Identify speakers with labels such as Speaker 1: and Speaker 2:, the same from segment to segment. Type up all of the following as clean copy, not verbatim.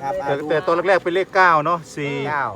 Speaker 1: นะครับ
Speaker 2: แต่ตัวแรกๆเป็นเลข9เนาะ4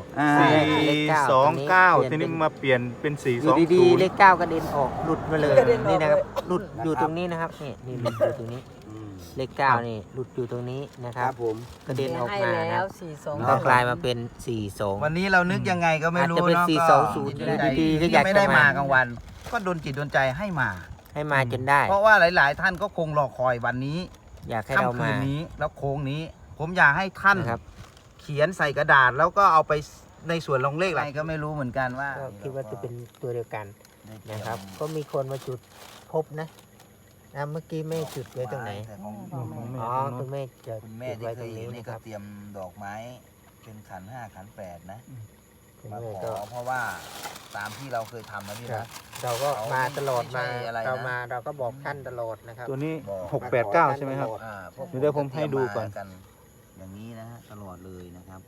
Speaker 2: 429ทีนี้มาเปลี่ยนเป็น420
Speaker 3: ดีๆเลข9กระเด็นออกหลุดมาเลยนี่นะครับหลุดอยู่ตรงนี้นะครับนี่หลุดอยู่ตรงนี้เลข9นี่หลุดอยู่ตรงนี้นะครับ
Speaker 1: ผม
Speaker 3: กระเด็นออกมา
Speaker 4: ให้
Speaker 3: นะ
Speaker 4: แล้ว
Speaker 3: ก็กลายมาเป็น42
Speaker 1: วันนี้เรานึกยังไงก็ไม่รู้
Speaker 3: อาจจะเป็น
Speaker 1: เนาะ
Speaker 3: 420
Speaker 1: ก็
Speaker 3: ดีๆก็อยากจะ
Speaker 1: ไม่ได้มากลางวัน ก็โดนจิตโดนใจให้มา
Speaker 3: จนได้
Speaker 1: เพราะว่าหลาย ๆ ท่านก็คงรอคอยวันนี้
Speaker 3: อยากให้เรา
Speaker 1: ค่ำคื
Speaker 3: มาน
Speaker 1: นี้แล้วโค้งนี้ ผมอยากให้ท่าน
Speaker 3: นะครับ
Speaker 1: เขียนใส่กระดาษแล้วก็เอาไปในส่วนลงเลขอะไรก็ไม่รู้เหมือนกันว่า
Speaker 3: ก็คิดว่าจะเป็นตัวเดียวกันนะครับ ก็มีคนมาจุดพบนะเมื่อกี้แม่จุดไว้ตรงไหน
Speaker 1: แต่ของ
Speaker 3: อ๋อคุณแม่จะ
Speaker 1: คุณแม่
Speaker 3: จุด
Speaker 1: ที่
Speaker 3: ไว้
Speaker 1: เค
Speaker 3: ตร
Speaker 1: ย
Speaker 3: ง
Speaker 1: เห็
Speaker 3: นี้
Speaker 1: นนี่
Speaker 3: นะค
Speaker 1: ก็
Speaker 3: รับ
Speaker 1: เตรียมดอกไม้เป็นขัน5ขัน8นะ
Speaker 3: คุณ
Speaker 1: มา
Speaker 3: แม่
Speaker 1: ข
Speaker 3: ก็
Speaker 1: อเพราะว่าตามที่เราเคยทำนะพี่
Speaker 3: ครั
Speaker 1: นะ
Speaker 3: บ เราก็มาตลอด
Speaker 1: ไม่
Speaker 3: มา
Speaker 1: ใช่อะไรนะ
Speaker 3: เราก็บอกท่านตลอดนะครับ
Speaker 2: ตัวนี้
Speaker 1: บอก
Speaker 2: 689ใช่ไหมครับ
Speaker 1: พวก
Speaker 2: เดี๋ยวผมให้ดูก่อน
Speaker 1: จะเตรียมมาอย่างนี้นะฮะตลอดเลยนะครับ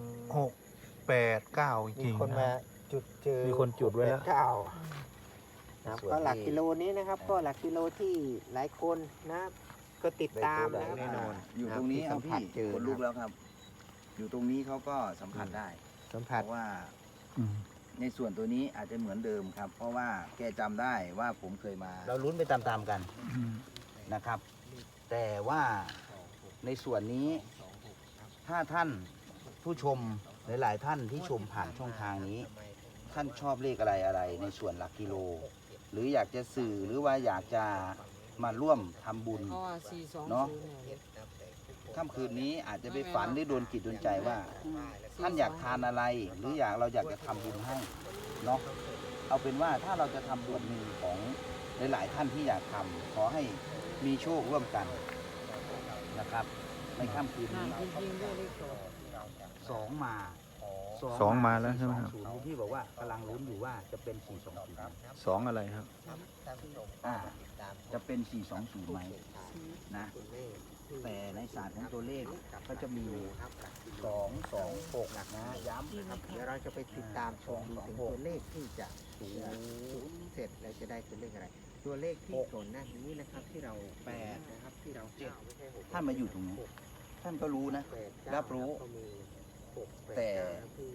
Speaker 2: 689จ
Speaker 3: มี
Speaker 2: ริง
Speaker 3: คนมา
Speaker 2: นะ
Speaker 3: จุดเจอ
Speaker 2: มีคนจุดไว้แล้ว
Speaker 3: 689นะครับก็หลักกิโลนี้นะครับ ก็หลักกิโลที่หลายคนนะก็ติดตามนะครับ
Speaker 2: แน่นอน
Speaker 1: อยู่ตรงนี้
Speaker 3: ที่
Speaker 1: เอา
Speaker 3: สัมผั
Speaker 1: พี่
Speaker 3: สเจอ
Speaker 1: คนลุกแล้วครับ อยู่ตรงนี้เขาก็สัมผัสได้
Speaker 3: สัม
Speaker 1: เพ
Speaker 3: ผัส
Speaker 1: ราะว่าในส่วนตัวนี้อาจจะเหมือนเดิมครับ เพราะว่าแกจำได้ว่าผมเคยมา เราลุ้นไปตามๆกันนะครับ แต่ว่าในส่วนนี้ ถ้าท่านผู้ชมหลายๆท่านที่ชมผ่านช่องทางนี้ ท่านชอบเลขอะไรในส่วนหลักกิโล หรืออยากจะสื่อหรือว่าอยากจะมาร่วมทำบุญ
Speaker 4: เพราะว่า420
Speaker 1: เนาะ ค่ำคืนนี้อาจจะไปฝันหรือโดนจิตโดนใจว่า ท่านอยากทานอะไร หรือเราอยากจะทำบุญให้เนาะเอาเป็นว่าถ้าเราจะทำบุญหนึ่งของหลายๆท่านที่อยากทำขอให้มีโชคร่วมกันนะครับ ในค่ำคืนนี้
Speaker 4: จริงๆด้วยเลข2
Speaker 1: สองมา
Speaker 2: สองมาแล้วใช่ไหมครับ
Speaker 1: 420ที่บอกว่ากำลังลุ้นอยู่ว่าจะเป็น420
Speaker 2: 2อะไรครับ
Speaker 1: จะเป็น420ไหมนะแต่ในศาสตร์ของตัวเลขก็จะมี226นะย้ำ
Speaker 3: เดี๋ยวเราจะไปติดตามชมดูถึงตัวเลขที่จะสูงเสร็จแล้วจะได้ตัวเลขอะไร ตัวเลขที่ส่วนหน้านี้นะครับที่เรา8นะครับที่เรา9ไม่ใช่6
Speaker 1: ท่านมาอยู่ตรงนี้ ท่านก็รู้นะ
Speaker 3: 8
Speaker 1: รับรู้
Speaker 3: ก็มี6
Speaker 1: แต่
Speaker 3: 8 ที่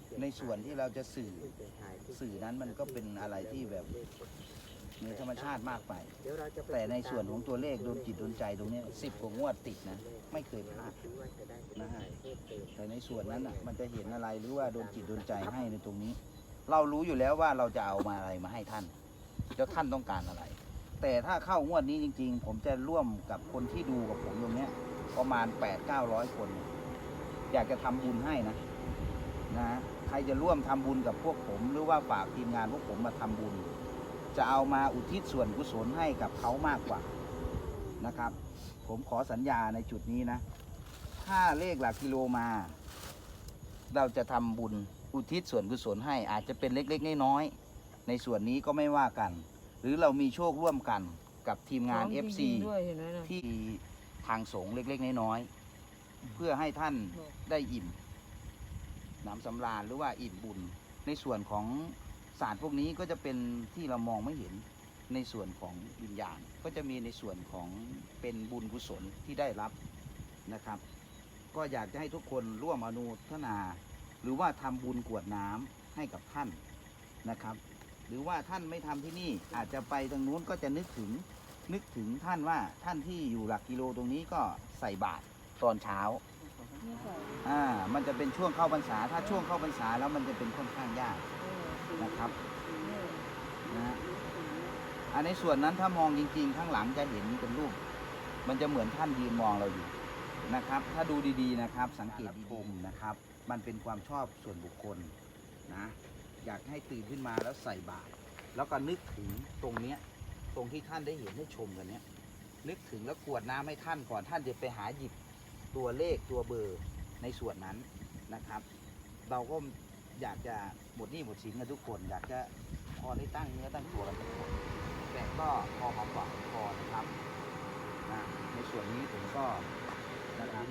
Speaker 1: ในส่วนที่เราจะสื่อนั้นมันก็เป็นอะไรที่แบบเหนือธรรมชาติมากไป
Speaker 3: เดี๋ยวเราจะไป
Speaker 1: แต่ในส่วนของตัวเลขโดนจิตโดนใจตรงเนี้ย10 กว่างวดติดนะ ไม่เคยพลาดนะฮะแต่ในส่วนนั้นอ่ะมันจะเห็นอะไรหรือว่าโดนจิตโดนใจให้ในตรงนี้ เรารู้อยู่แล้วว่าเราจะเอามาอะไรมาให้ท่านแล้วท่านต้องการอะไร แต่ถ้าเข้างวดนี้จริง ๆ ผมจะร่วมกับคนที่ดูกับผมตรงเนี้ยประมาณ 800-900 คน อยากจะทำบุญให้นะใครจะร่วมทำบุญกับพวกผมหรือว่าฝากทีมงานพวกผมมาทำบุญ จะเอามาอุทิศส่วนกุศลให้กับเขามากกว่านะครับ ผมขอสัญญาในจุดนี้นะ ถ้าเลขหลักกิโลมา เราจะทำบุญอุทิศส่วนกุศลให้อาจจะเป็นเล็กๆน้อยๆในส่วนนี้ก็ไม่ว่ากัน หรือเรามีโชคร่วมกันกับทีมงาน FC
Speaker 4: ด้วยเห็นไหมนะ
Speaker 1: ที่ทางสงฆ์เล็กๆน้อยๆเพื่อให้ท่านได้อิ่มหนำสำราญหรือว่าอิ่มบุญ ในส่วนของศาสตร์พวกนี้ก็จะเป็นที่เรามองไม่เห็นในส่วนของวิญญาณก็จะมีในส่วนของเป็นบุญกุศลที่ได้รับนะครับ ก็อยากจะให้ทุกคนร่วมอนุโมทนา หรือว่าทำบุญกรวดน้ำให้กับท่านนะครับ หรือว่าท่านไม่ทำที่นี่อาจจะไปตรงนู้นก็จะนึกถึงท่านว่าท่านที่อยู่หลักกิโลตรงนี้ก็ใส่บาตรตอนเช้ามันจะเป็นช่วงเข้าพรรษาถ้าช่วงเข้าพรรษาแล้วมันจะเป็นค่อนข้างยากนะครับนะอันในส่วนนั้นถ้ามองจริงๆข้างหลังจะเห็นเป็นรูปมันจะเหมือนท่านยืนมองเราอยู่นะครับ ถ้าดูดีๆนะครับสังเกตดีๆนะครับ มันเป็นความชอบส่วนบุคคลนะอยากให้ตื่นขึ้นมาแล้วใส่บาตรแล้วก็นึกถึงตรงเนี้ยตรงที่ท่านได้เห็นได้ชมกันเนี้ยนึกถึงแล้วกรวดน้ำให้ท่านก่อนท่านจะไปหาหยิบตัวเลขตัวเบอร์ในส่วนนั้นนะครับ เราก็อยากจะหมดหนี้หมดสินกันทุกคนอยากจะพอได้ตั้งเนื้อตั้งตัวกันทุกคนแต่ก็พอหอมปากพอนะครับนะในส่วนนี้ผมก็นะครับ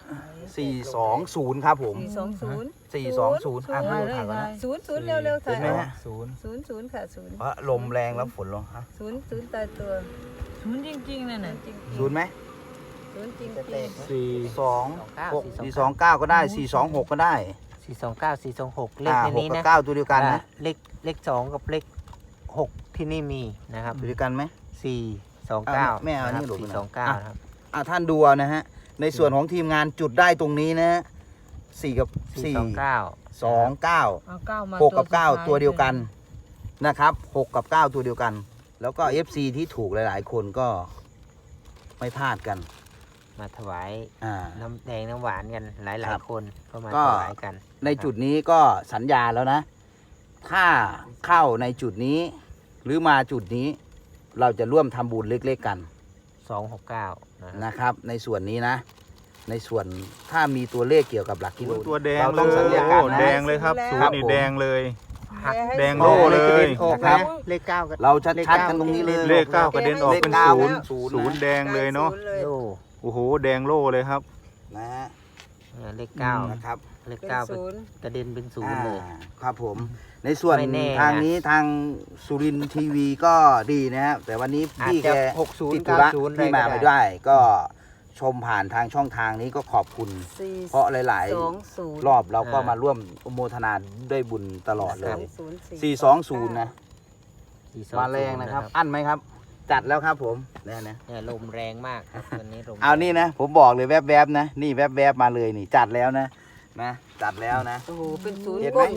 Speaker 1: 420ครับผม
Speaker 4: 420
Speaker 1: 420อ่ะ
Speaker 4: ถ่ายเลย
Speaker 1: ถ่ายก่อน
Speaker 4: ถ่า
Speaker 1: นะ
Speaker 4: ย0 เร็วๆถ่าย
Speaker 1: เห็นไหมฮะ
Speaker 4: 0 ค่ะ0
Speaker 1: เพราะลมแรงแล้วฝนลงฮะ
Speaker 4: 0ตายตัว0จริงๆนั่นน่ะจริง
Speaker 1: ศูนย์ไหม
Speaker 4: 0 ศูนย์จริง
Speaker 2: สี่
Speaker 1: สอง
Speaker 3: 29
Speaker 1: หกสี่สองเก้าก็ได้426ก็ได้
Speaker 3: 429 426เลขใน
Speaker 1: หก
Speaker 3: นี้
Speaker 1: กับ
Speaker 3: นะ
Speaker 1: เก้าตัวเดียวกันนะ
Speaker 3: เลข2กับเลข6ที่นี่มีนะครับ
Speaker 1: ตัวเดียวกันไหม
Speaker 3: 429
Speaker 1: แม่เอานี่
Speaker 3: ะ
Speaker 1: หลบ
Speaker 3: ครับ
Speaker 1: มาหน่อย
Speaker 3: 429นะครับ
Speaker 1: ท่านดูเอานะฮะในส่วนของทีมงานจุดได้ตรงนี้นะฮะ4กับ4
Speaker 3: 429
Speaker 1: 2 9
Speaker 4: เอาเก้ามา
Speaker 1: 6กับ9ตัวเดียวกันนะครับ6กับ9ตัวเดียวกัน แล้วก็ FC ที่ถูกหลายๆ คนก็ไม่พลาดกัน
Speaker 3: มาถวาย
Speaker 1: อ่า
Speaker 3: น้ำแดงน้ำหวานกันหลาย
Speaker 1: ครับ
Speaker 3: ๆคนก็มา
Speaker 1: ก็
Speaker 3: ถวายกัน
Speaker 1: ในจุดนี้ก็สัญญาแล้วนะ ถ้าเข้าในจุดนี้ หรือมาจุดนี้ เราจะร่วมทำบุญเล็กๆกัน
Speaker 3: 269นะครับ
Speaker 1: นะครับ ในส่วนนี้นะ ในส่วนถ้ามีตัวเลขเกี่ยวกับหลักกิโล
Speaker 2: ตัวแดง
Speaker 1: เรา
Speaker 2: เล
Speaker 1: ต้อง
Speaker 2: ย
Speaker 1: สัญญากัน
Speaker 2: โอ้
Speaker 1: นะ
Speaker 2: แดงเลยครับศูนย์นี่แดงเลย แดง
Speaker 1: โล่
Speaker 2: โล่
Speaker 1: เล
Speaker 2: เลย ย
Speaker 1: นะครับ
Speaker 3: เลข9ก็
Speaker 1: เราชัดๆกันตรงนี้เลย
Speaker 2: เลขเก้ากระเด็นออกเป็น
Speaker 1: เลขเก้า
Speaker 2: ศูนย์
Speaker 1: ศูนย์นะ
Speaker 2: ศูนย์แดงเลยเนาะ
Speaker 3: โล่
Speaker 2: โอ้โหแดงโล่เลยครับ
Speaker 1: นะฮะ
Speaker 3: เลข
Speaker 2: อืม
Speaker 3: 9
Speaker 1: นะครับ
Speaker 3: เลข
Speaker 4: เป็น
Speaker 3: 9เป็น
Speaker 4: ศูนย์
Speaker 3: กระเด็นเป็นศูนย์เลย
Speaker 1: ครับผม ในส่วน
Speaker 3: ไม่แน่นะ
Speaker 1: ทางนี้ทางสุรินทร์ทีวีก็ดีนะครับแต่วันนี้
Speaker 3: อาจ
Speaker 1: พี่
Speaker 3: จะ
Speaker 1: แก
Speaker 3: 60
Speaker 1: ติดธุระ
Speaker 3: 90
Speaker 1: ที่มาไม่ได้ ก็ชมผ่านทางช่องทางนี้ก็ขอบคุณ เพราะหลาย
Speaker 4: 20
Speaker 1: ๆ รอบเราก็มาร่วมอนุโมทนาด้วยบุญตลอดเลย 420 นะ
Speaker 3: 420
Speaker 1: มาแรงนะครับ อั้นไหมครับ จัดแล้วครับผมเนี่ยนะ
Speaker 3: เนี่ยลมแรงมากครับวันนี้ลม
Speaker 1: เอานี่นะ ผมบอกเลยแวบๆนะ นี่แวบๆมาเลยนี่ จัดแล้วนะ จัดแล้วนะ
Speaker 4: โอ้โหเป็นศูนย์
Speaker 1: เห็นไหม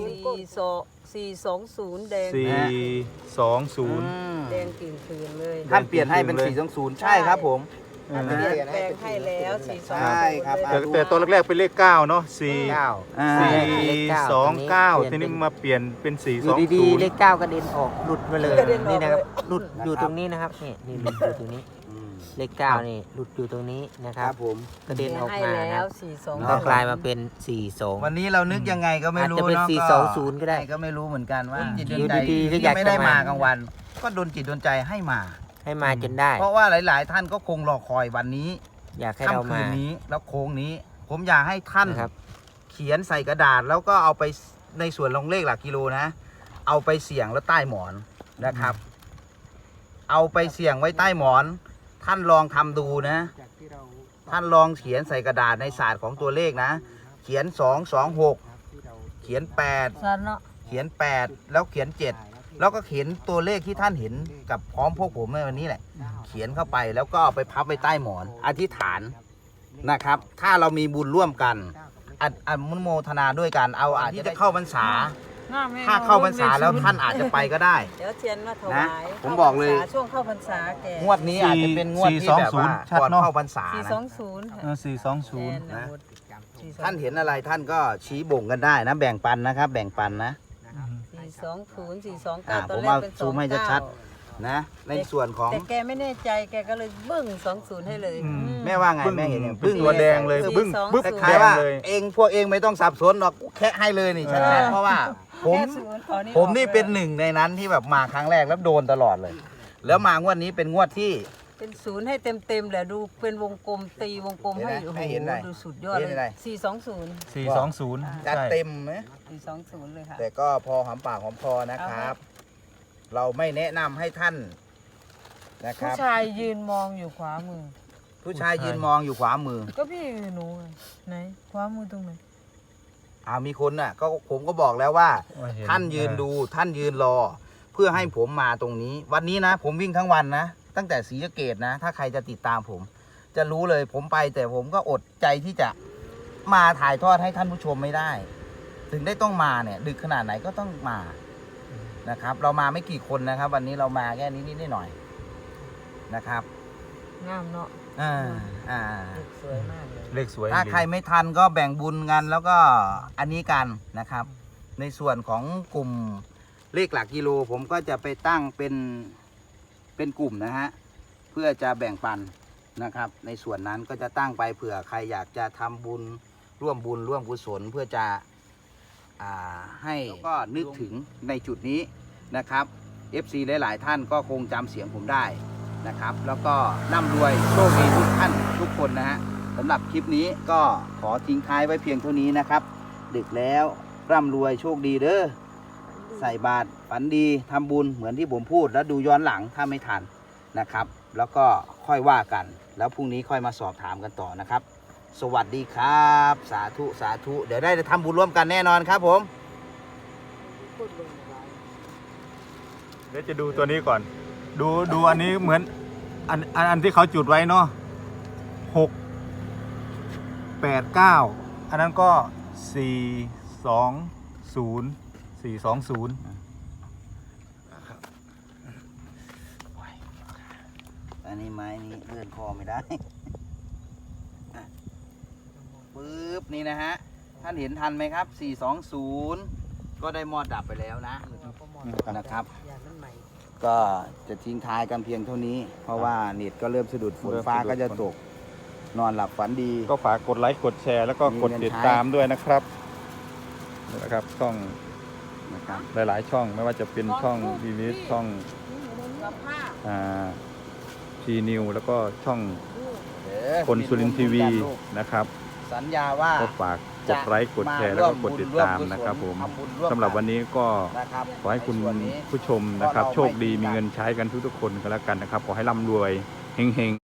Speaker 4: 420แดง
Speaker 2: 420
Speaker 4: แดงกลิ่นคืนเลย
Speaker 1: ท่านเปลี่ยนให้เป็น 420 ใช่ครับผม
Speaker 2: เออ
Speaker 4: เปลี่ยนแปลงให้แล้ว420
Speaker 1: ใช่ครับ
Speaker 2: แต่ตอนแรกๆเป็นเลข9เนาะ4
Speaker 1: อ่า
Speaker 2: 429ทีนี้มาเปลี่ยนเป็น
Speaker 3: อยู่ดีๆเลข
Speaker 2: 420
Speaker 3: 9กระเด็นออกหลุดมาเลย
Speaker 4: กระเด็นออก
Speaker 3: นี่นะครับ
Speaker 4: เลย
Speaker 3: หลุดอยู่ตรงนี้นะครับนี่หลุดอยู่ตรงนี้
Speaker 1: อืม
Speaker 3: เลข 9นี่หลุดอยู่ตรงนี้นะค
Speaker 1: ค
Speaker 3: รั
Speaker 1: รั
Speaker 3: บบ
Speaker 1: ผม
Speaker 3: กระเด็นออก
Speaker 4: ให้
Speaker 3: มา
Speaker 4: แล้
Speaker 3: นะ
Speaker 4: ว
Speaker 3: ก็
Speaker 4: 42
Speaker 3: กลายมาเป็น42
Speaker 1: วันนี้เรานึกยังไงก็ไม่รู้
Speaker 3: อาจจะเป็น
Speaker 1: เนาะ
Speaker 3: 420ก็ได้
Speaker 1: ก็ไม่รู้เหมือนกันว่าจิตด
Speaker 3: อยู่
Speaker 1: ลใจ
Speaker 3: ดีๆก็
Speaker 1: ที่
Speaker 3: อยาก
Speaker 1: ไม่ได้
Speaker 3: จะ
Speaker 1: มา
Speaker 3: มา
Speaker 1: กลางวัน ก็โดนจิตโดนใจให้มา
Speaker 3: ให้มาจนได้
Speaker 1: เพราะว่าหลาย ๆ ท่านก็คงรอคอยวันนี้
Speaker 3: อยากให้เรา
Speaker 1: ค่ำคื
Speaker 3: มาน
Speaker 1: นี้แล้วโค้งนี้ ผมอยากให้ท่าน
Speaker 3: นะครับ
Speaker 1: เขียนใส่กระดาษ แล้วก็เอาไปในส่วนลงเลขหลักกิโลนะ เอาไปเสี่ยงแล้วใต้หมอนนะครับ เอาไปเสี่ยงไว้ใต้หมอน ท่านลองทำดูนะ ท่านลองเขียนใส่กระดาษในศาสตร์ของตัวเลขนะ เขียน226เขียน8
Speaker 4: สันเนาะ
Speaker 1: เขียน8แล้วเขียน7แล้วก็เขียนตัวเลขที่ท่านเห็นกับพร้อมพวกผมในวันนี้แหละ เขียนเข้าไปแล้วก็เอาไปพับไว้ใต้หมอน อธิษฐานนะครับ ถ้าเรามีบุญร่วมกันอนุโมทนาด้วยกันเอาอาจจะได้เข้าพรรษา ถ้าเข้าพรรษาแล้วท่านอาจจะไปก็ได้
Speaker 4: เดี๋ยวเทียนมาถวาย
Speaker 1: ผมบอกเลย
Speaker 4: ช่วงเข้าพรรษาแก
Speaker 1: งวดนี้อาจจะเป็นงวดที่แบบว่า
Speaker 2: 420ชัด
Speaker 1: ก่อน
Speaker 2: เนอะ
Speaker 1: เข้าพรรษานะ
Speaker 4: 420
Speaker 2: เออ420
Speaker 4: นะ
Speaker 1: ท่านเห็นอะไรท่านก็ชี้บ่งกันได้นะแบ่งปันนะครับ แบ่งปันนะ
Speaker 4: 420 429 ต
Speaker 1: ผ
Speaker 4: อน
Speaker 1: ม
Speaker 4: แร
Speaker 1: เอา
Speaker 4: กเป็น
Speaker 1: ซูมให้ชัด
Speaker 4: 29
Speaker 1: ๆนะในส่วนของ
Speaker 4: แต่แกไม่แน่ใจแกก็เลยเบิ้ง20ให้เลย
Speaker 2: อืม
Speaker 1: แม่ว่าไงแม่เห็นอย่าง
Speaker 2: บึ้งตัวแดงเลยบึ้งบึ้ง
Speaker 1: ค
Speaker 2: แด
Speaker 1: ล้าย
Speaker 2: ง
Speaker 1: ๆว่า
Speaker 2: เลย
Speaker 1: เองพวกเองไม่ต้องสับสนหรอกแค่ให้เลยนี่ชัด
Speaker 2: เออ
Speaker 1: ๆเพราะว่าผม
Speaker 4: แค่ศูนย์ขอ
Speaker 1: ผมนี่
Speaker 4: ออกลย
Speaker 1: เป็นหนึ่งในนั้นที่แบบมาครั้งแรกแล้วโดนตลอดเลย แล้วมางวดนี้เป็นงวดที่
Speaker 4: เป็นศูนย์ให้เต็มๆแหละดูเป็นวงกลมตีวงกลมให้
Speaker 1: เห็นไหม
Speaker 4: โอ้โห
Speaker 1: ให้เห็นหน่อย
Speaker 4: ดูสุดยอด
Speaker 1: เห็นอะไร
Speaker 4: เลย420
Speaker 2: 420
Speaker 1: จัด
Speaker 2: ใช่
Speaker 1: เต็มไหม
Speaker 4: 420เลยค่ะ
Speaker 1: แต่ก็พอหอมปากหอมคอนะครับ เราไม่แนะนำให้ท่านนะค
Speaker 5: ผู้
Speaker 1: รับ
Speaker 5: ชายยืนมองอยู่ขวามือ
Speaker 1: ผู้ชายยืนมองอยู่ขวามือ
Speaker 5: ก็พี่หนูไงไหนขวามือตรงไหน
Speaker 1: มีคนน่ะก็ผมก็บอกแล้วว่า
Speaker 2: เห็
Speaker 1: ท่านยืนดูท่านยืนรอ เพื่อให้ผมมาตรงนี้ วันนี้นะ ผมวิ่งทั้งวันนะ ตั้งแต่ศรีสะเกษนะ ถ้าใครจะติดตามผม จะรู้เลยผมไปแต่ผมก็อดใจที่จะมาถ่ายทอดให้ท่านผู้ชมไม่ได้ ถึงได้ต้องมาเนี่ย ดึกขนาดไหนก็ต้องมานะครับ เรามาไม่กี่คนนะครับ วันนี้เรามาแค่นี้นิดหน่อยนะครับ
Speaker 5: งามเนาะ
Speaker 1: อ่า
Speaker 4: สวยมากเลย
Speaker 2: เลขสวย
Speaker 1: ถ้า
Speaker 2: ดี
Speaker 1: ใครไม่ทันก็แบ่งบุญกันแล้วก็อันนี้กันนะครับ ในส่วนของกลุ่มเลขหลักกิโลผมก็จะไปตั้งเป็นกลุ่มนะฮะเพื่อจะแบ่งปันนะครับ ในส่วนนั้นก็จะตั้งไปเผื่อใครอยากจะทำบุญร่วมกุศลเพื่อจะให้แล้วก็นึกถึงในจุดนี้นะครับ FC หลายๆท่านก็คงจำเสียงผมได้นะครับ แล้วก็ร่ำรวยโชคดีทุกท่านทุกคนนะฮะสำหรับคลิปนี้ก็ขอทิ้งท้ายไว้เพียงเท่านี้นะครับ ดึกแล้วร่ำรวยโชคดีเด้อใส่บาตรฝันดีทำบุญเหมือนที่ผมพูดแล้วดูย้อนหลังถ้าไม่ทันนะครับ แล้วก็ค่อยว่ากัน แล้วพรุ่งนี้ค่อยมาสอบถามกันต่อนะครับ สวัสดีครับ สาธุสาธุเดี๋ยวได้ทำบุญร่วมกันแน่นอนครับผม
Speaker 2: เดี๋ยวจะดูตัวนี้ก่อน ดูอันนี้เหมือนอันที่เขาจุดไว้เนาะ689อันนั้นก็420
Speaker 1: อันนี้ไม้นี้เลื่อนคอไม่ได้ อ่ะปึ๊บนี่นะฮะ ท่านเห็นทันไหมครับ 420 ก็ได้มอดดับไปแล้วนะนะครับ ก็จะทิ้งท้ายกันเพียงเท่านี้ เพราะว่าเน็ตก็เริ่มสะดุดฝนฟ้าก็จะตก นอนหลับฝันดี
Speaker 2: ก็ฝากกดไลค์กดแชร์แล้วก็กดติดตามด้วยนะครับนะครับช่อง
Speaker 1: นะครับ
Speaker 2: หลายๆช่องไม่ว่าจะเป็นช่องวีวิสช่องทีนิวแล้วก็ช่องคนสุรินทร์ทีวีนะครับ
Speaker 1: สัญญาว่า
Speaker 2: ก็ฝากกดไลค์กดแชร์แล้วก็กดติดตามนะครับผมสำหรับวันนี้ก็
Speaker 1: นะครับ
Speaker 2: ขอให้คุณ
Speaker 1: ในส่วนนี้
Speaker 2: ผู้ชมนะครับ
Speaker 1: ก็เรา
Speaker 2: โชคดี
Speaker 1: ไม่มี
Speaker 2: มีเงินใช้กันทุกๆคนกันแล้วกันนะครับ ขอให้ร่ำรวยเฮงๆ